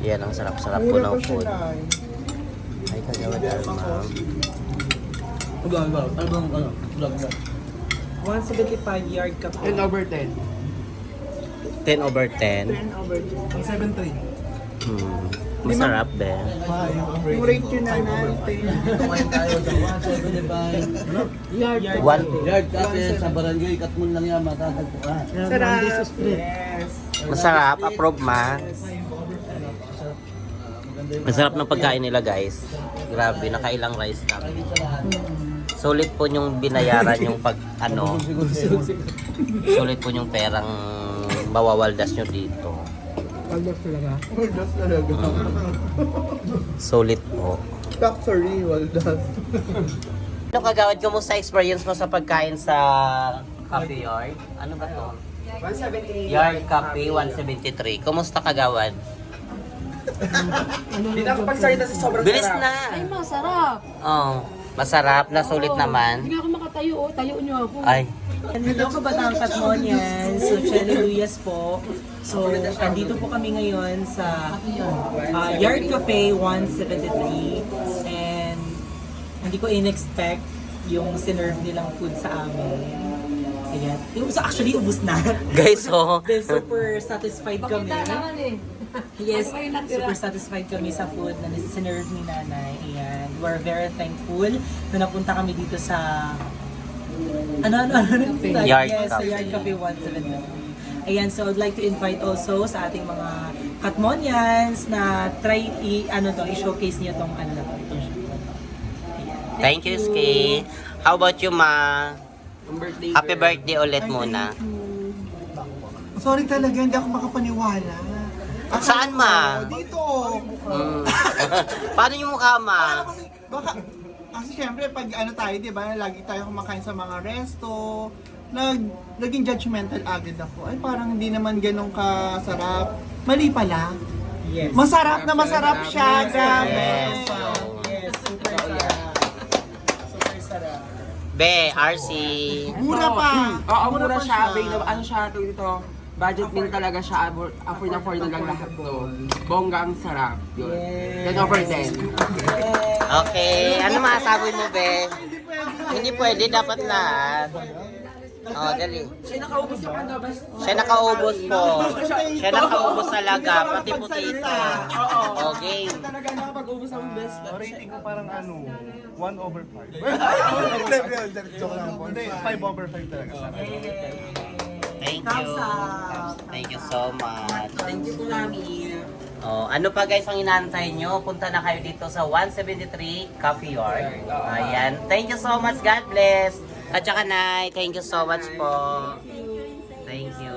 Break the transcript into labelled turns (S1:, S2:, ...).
S1: Yan, ang sarap-sarap po ng food. Ay, kagawad ma'am.
S2: 175 yard ka po.
S3: 10 over 10.
S1: 10 over 10.
S2: 10 over 10.
S3: Ang 7-3.
S1: Masarap, be.
S2: Yung rate yun na natin.
S3: Kumain tayo sa 175. Yard.
S1: One.
S3: Yard kasi sa barangay, katmon lang yan, matatagpuan.
S2: Sarap. Yes.
S1: Masarap, approve ma. Masarap ng pagkain nila, guys. Grabe, nakailang rice kami. Sulit po yung binayaran yung sulit po yung perang mawawaldas nyo dito.
S2: Waldas talaga.
S3: Waldas talaga.
S1: Sulit po.
S3: Factory, Waldas.
S1: Ano kagawad, kumusta experience mo sa pagkain sa Cafe Yard? Ano ba to?
S2: 178.
S1: Yard Cafe 173. Kumusta kagawad?
S2: Hindi na ako pagsalita sa sobrang
S1: Bilis
S2: sarap.
S1: na!
S4: Ay, masarap.
S1: Oh, masarap na sulit naman.
S4: Hindi ako makatayo, oh. Tayo niyo ako.
S1: Ay,
S2: Hello ka Batang Katmonians. So, Chaliluyas po. So, andito po kami ngayon sa Yard Cafe 173. And hindi ko in-expect yung sinerve nilang food sa amin. Ayan. Actually, ubus na.
S1: guys, oh.
S2: Then, super satisfied kami.
S4: Bakit naman eh?
S2: Yes,
S4: Ano kayo natira?
S2: super satisfied kami sa food na sinerve ni Nanay. Ayan. We're very thankful na napunta kami dito sa
S1: Yard
S2: yes, sa
S1: Cafe.
S2: Yard Cafe 173. Ayan, so I'd like to invite also sa ating mga Katmonians na try i-showcase niyo tong itong shop. Ayan.
S1: Thank you, Ski. How about you, ma? Happy birthday ulit muna.
S5: Sorry talaga, hindi ako makapaniwala.
S1: Saan, ma?
S5: Dito.
S1: Mm. Paano yung mukha, ma?
S5: Kasi syempre, pag tayo, di ba, lagi tayo kumakain sa mga resto, naging judgmental agad ako. Ay, parang hindi naman ganun kasarap. Mali pala.
S2: Yes.
S5: Masarap na masarap siya, grabe.
S1: Yes.
S2: Yes, super sarap. Super sarap.
S1: Be, RC.
S5: Mura pa.
S6: Oo, mura
S5: pa
S6: siya. Ano siya dito? Budget meal talaga siya. Afford na lang lahat to. Bongga ang sarap. Yun.
S2: Yes.
S6: 10 over 10.
S1: Okay, ano masasabi mo, Be? Hindi pwede, dapat lahat. Oh, dali.
S6: Siya nakaubos yung ano ba?
S1: Siya nakaubos po. Siya nakaubos talaga, pati putita. Oh, game.
S6: Talaga nakapag-ubos ang best.
S3: Rating ko parang 1 over 5. Joke lang po. Hindi, 5 over 5 talaga sa akin.
S1: Thank you. Thank you so much.
S6: Thank you, Mami.
S1: Oh, ano pa guys ang inaantay nyo? Punta na kayo dito sa 173 Coffee Yard. Ayan. Thank you so much. God bless. At saka, Nay, thank you so much po. Thank you.